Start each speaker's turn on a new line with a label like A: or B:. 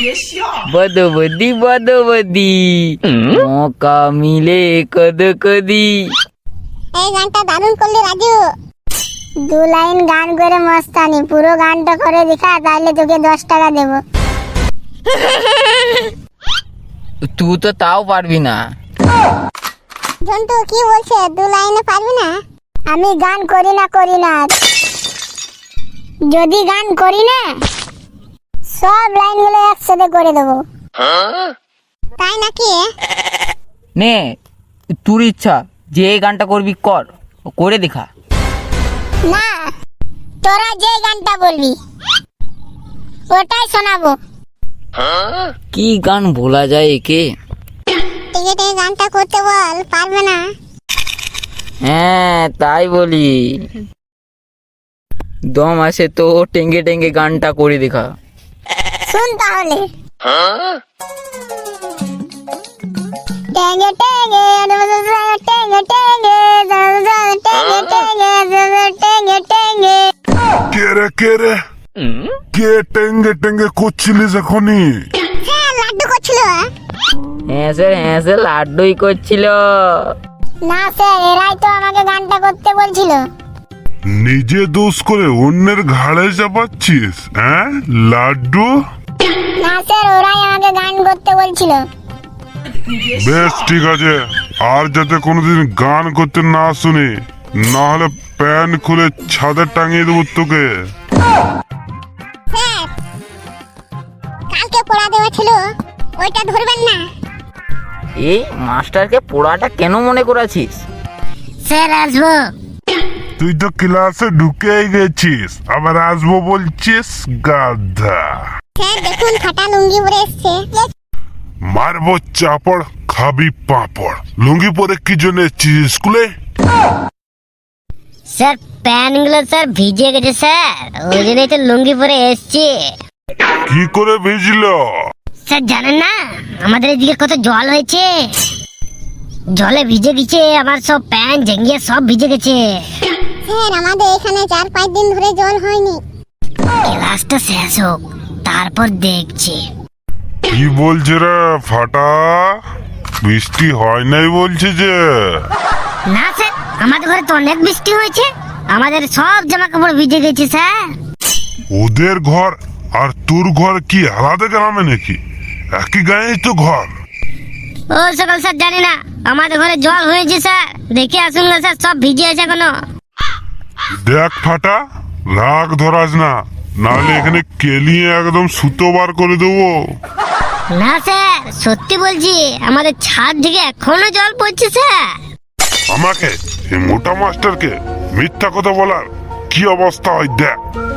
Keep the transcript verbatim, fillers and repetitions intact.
A: বদবদি বদবদি মৌকা মিলে কদ কদি।
B: এই গানটা দারুণ করলি রাজু। দু লাইন গান করে মস্তানি, পুরো গানটা করে দেখা, তাহলে তোকে দশ টাকা দেব।
A: তুই তো তাও পারবি না।
B: জন্টু কি বলছে, দু লাইনে পারবি না? আমি গান করি না করি না, যদি গান করি না সব লাইনগুলো একসাথে করে দেবো। তাই নাকি?
A: নে তোর ইচ্ছা, যে এই গানটা করবি কর, করে দেখা।
B: না, তোরা যে গানটা বলবি ওটাই শোনাবো।
A: কি গান বলা যায় একে?
B: টিকিটে গানটা করতে বল, পারবে না?
A: হ্যাঁ তাই বলি, দম আছে তো টেঙ্গে টেঙ্গে গানটা করে দেখা।
B: শুন তাহলে। টেঙ্গে টেঙ্গে টেঙ্গে টেঙ্গে টেঙ্গে টেঙ্গে টেঙ্গে টেঙ্গে।
C: কে রে কে রে কে টেঙ্গে টেঙ্গে করছিলিস এখনই?
B: হ্যাঁ, লাড্ডু করছিল।
A: হ্যাঁ স্যার, হ্যাঁ স্যার, লাড্ডুই করছিল।
B: না স্যার, এরাই তো আমাকে গানটা করতে বলছিল।
C: নিজে দোষ করে অন্যের ঘাড়ে চাপাচ্ছিস? হ্যাঁ লাড্ডু?
B: না স্যার, ওরাই আমাকে গান করতে বলছিল।
C: বেশ ঠিক আছে, আর যাতে কোনোদিন গান করতে না শুনি, না হলে প্যান্ট খুলে ছাদে টাঙিয়ে দেবো তোকে।
B: স্যার, কালকে পড়া দেওয়া ছিল, ওইটা ধরবেন না?
A: এই মাস্টারকে পড়াটা কেন মনে করাছিস?
B: স্যার আসবো।
C: তুই তো ক্লাসে ঢুকেই গেছিস, আবার আসবো বলছিস? গাধা।
B: স্যার দেখুন, ফাটা লুঙ্গি পরে এসছে।
C: মারবো চাপড়, খাবি পাপড়। লুঙ্গি পরে কি জন্য এসছিস স্কুলে?
D: স্যার প্যান্ট গুলো স্যার ভিজে গেছে স্যার, ওই জন্যই তো লুঙ্গি পরে এসছি।
C: কি করে ভিজলো?
D: স্যার জানেন না আমাদের এদিকে কত জল হয়েছে, জলে ভিজে গেছে আমার সব প্যান্ট জেঙ্গিয়ে সব ভিজে গেছে।
B: স্যার আমাদের এখানে চার পাঁচ দিন ধরে জল হয়নি।
D: ক্লাসটা শেষ হোক তারপর দেখছি।
C: কি বলছে রে ফাটা? বৃষ্টি হয় নাই বলছে যে?
D: না স্যার, আমাদের ঘরে তো অনেক বৃষ্টি হয়েছে, আমাদের সব জামা কাপড় ভিজে গেছে স্যার।
C: ওদের ঘর আর তোর ঘর কি আলাদা গ্রামে নাকি? একই গায়ে তো ঘর।
D: ও সকাল স্যার জানি না, আমাদের ঘরে জল হয়েছে স্যার, দেখে আসুন না স্যার, সব ভিজে আছে এখনো।
C: দেখ ফাটা, রাগ ধরাস না, নাহলে এখানে কেলিয়ে একদম সুতো বার করে দেবো।
D: না স্যার সত্যি বলছি, আমাদের ছাদ থেকে এখনো জল পড়ছে স্যার।
C: আমাকে এই মোটা মাস্টারকে মিথ্যা কথা বলার কি অবস্থা হয় দেখ।